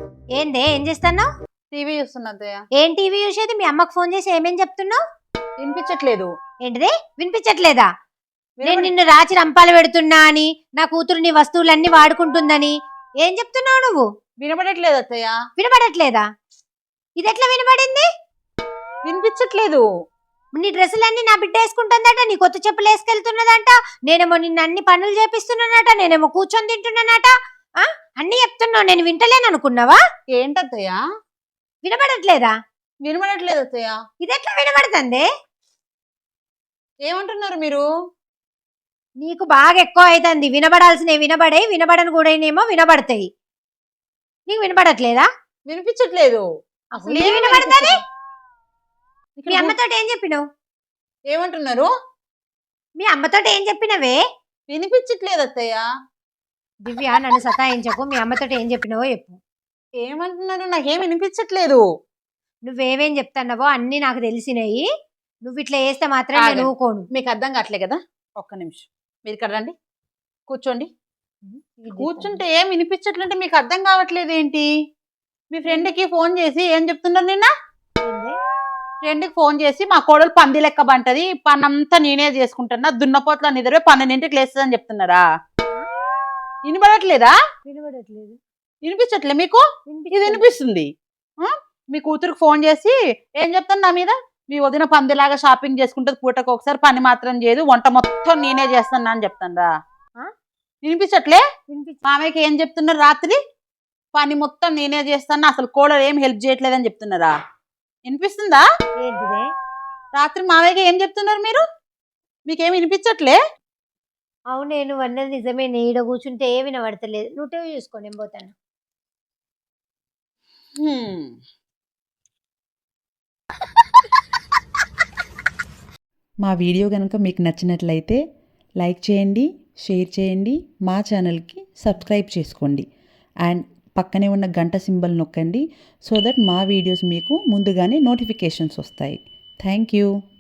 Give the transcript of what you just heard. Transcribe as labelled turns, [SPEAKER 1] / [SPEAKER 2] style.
[SPEAKER 1] ఏందే ఏం చేస్తున్నావు?
[SPEAKER 2] టీవీ చూస్తున్నా అత్తయ్య.
[SPEAKER 1] ఏం టీవీ చూసేది? మీ అమ్మకు ఫోన్ చేసి ఏమేం చెప్తున్నావు?
[SPEAKER 2] వినిపించట్లేదు.
[SPEAKER 1] ఏంటిది వినిపించట్లేదా? నేను నిన్ను రాచి రంపాలు పెడుతున్నా అని, నా కూతురు నీ వస్తువులన్నీ వాడుకుంటుందని ఏం చెప్తున్నావు నువ్వు?
[SPEAKER 2] వినపడట్లేదు అత్తయ్య.
[SPEAKER 1] వినపడట్లేదా? ఇది ఎట్లా వినపడింది?
[SPEAKER 2] వినిపించట్లేదు.
[SPEAKER 1] నీ డ్రెస్సులన్నీ నా బిడ్డ వేసుకుంటుందట, నీ కొత్త చెప్పులు వేసుకెళ్తున్నదంట, నేనేమో నిన్ను అన్ని పనులు చేపిస్తున్నానట, నేనేమో కూర్చొని తింటున్నానట. అన్ని చెప్తున్నావు, నేను వింటలేను అనుకున్నావా?
[SPEAKER 2] ఏంటత్తయ్య?
[SPEAKER 1] వినపడట్లేదా?
[SPEAKER 2] వినపడట్లేదు అత్తయ్య.
[SPEAKER 1] ఇది ఎట్లా వినపడుతుంది?
[SPEAKER 2] ఏమంటున్నారు మీరు?
[SPEAKER 1] నీకు బాగా ఎక్కువ అవుతుంది. వినబడాల్సినవి వినబడే, వినబడని కూడా వినబడతాయి. నీకు వినపడట్లేదా?
[SPEAKER 2] వినిపించట్లేదు.
[SPEAKER 1] అసలు ఏం వినపడుతుంది? మీ అమ్మతో ఏం చెప్పినావు?
[SPEAKER 2] ఏమంటున్నారు?
[SPEAKER 1] మీ అమ్మతో ఏం చెప్పినవే?
[SPEAKER 2] వినిపించట్లేదు అత్తయ్య.
[SPEAKER 1] దివ్య, నన్ను సతాయించకు. మీ అమ్మతో ఏం చెప్పినావో చెప్పు.
[SPEAKER 2] ఏమంటున్నారు? నాకేం వినిపించట్లేదు.
[SPEAKER 1] నువ్వేమేం చెప్తున్నావో అన్ని నాకు తెలిసినాయి. నువ్వు ఇట్లా వేస్తే మాత్రం నేను ఊకోను.
[SPEAKER 2] మీకు అర్థం కావట్లే కదా? ఒక్క నిమిషం, మీరు ఇక్కడ రండి, కూర్చోండి. కూర్చుంటే ఏం వినిపించట్లంటే మీకు అర్థం కావట్లేదు ఏంటి? మీ ఫ్రెండ్కి ఫోన్ చేసి ఏం చెప్తున్నారు? నిన్న ఫ్రెండ్కి ఫోన్ చేసి మా కోడలు పంది లెక్క బంటది, పనంతా నేనే చేసుకుంటున్నా, దున్నపోట్ల నిద్ర 12ంటికి లేస్తుందని చెప్తున్నారా? వినపడట్లేదా?
[SPEAKER 1] వినపడట్లేదు.
[SPEAKER 2] వినిపించట్లే మీకు? ఇది వినిపిస్తుంది. మీ కూతురికి ఫోన్ చేసి ఏం చెప్తాను నా మీద? మీ వదిన పందిలాగా షాపింగ్ చేసుకుంటుంది, పూటకు ఒకసారి పని మాత్రం చేయదు, వంట మొత్తం నేనే చేస్తాను అని చెప్తాను. వినిపించట్లే? మామయ్యకి ఏం చెప్తున్నారు? రాత్రి పని మొత్తం నేనే చేస్తాను, అసలు కోడలు ఏం హెల్ప్ చేయట్లేదని చెప్తున్నారా? వినిపిస్తుందా?
[SPEAKER 1] ఏంటిదే?
[SPEAKER 2] రాత్రి మామయ్యకి ఏం చెప్తున్నారు మీరు? మీకేం వినిపించట్లే?
[SPEAKER 1] అవునే, నువ్వు అన్నది నిజమే. ఈడ కూర్చుంటే ఏ వినబడతలేదు. నువ్వు టీవీ చూసుకో, నేను పోతాను.
[SPEAKER 3] మా వీడియో కనుక మీకు నచ్చినట్లయితే లైక్ చేయండి, షేర్ చేయండి, మా ఛానల్కి సబ్స్క్రైబ్ చేసుకోండి అండ్ పక్కనే ఉన్న గంట సింబల్ నొక్కండి సో దట్ మా వీడియోస్ మీకు ముందుగానే నోటిఫికేషన్స్ వస్తాయి. Thank you.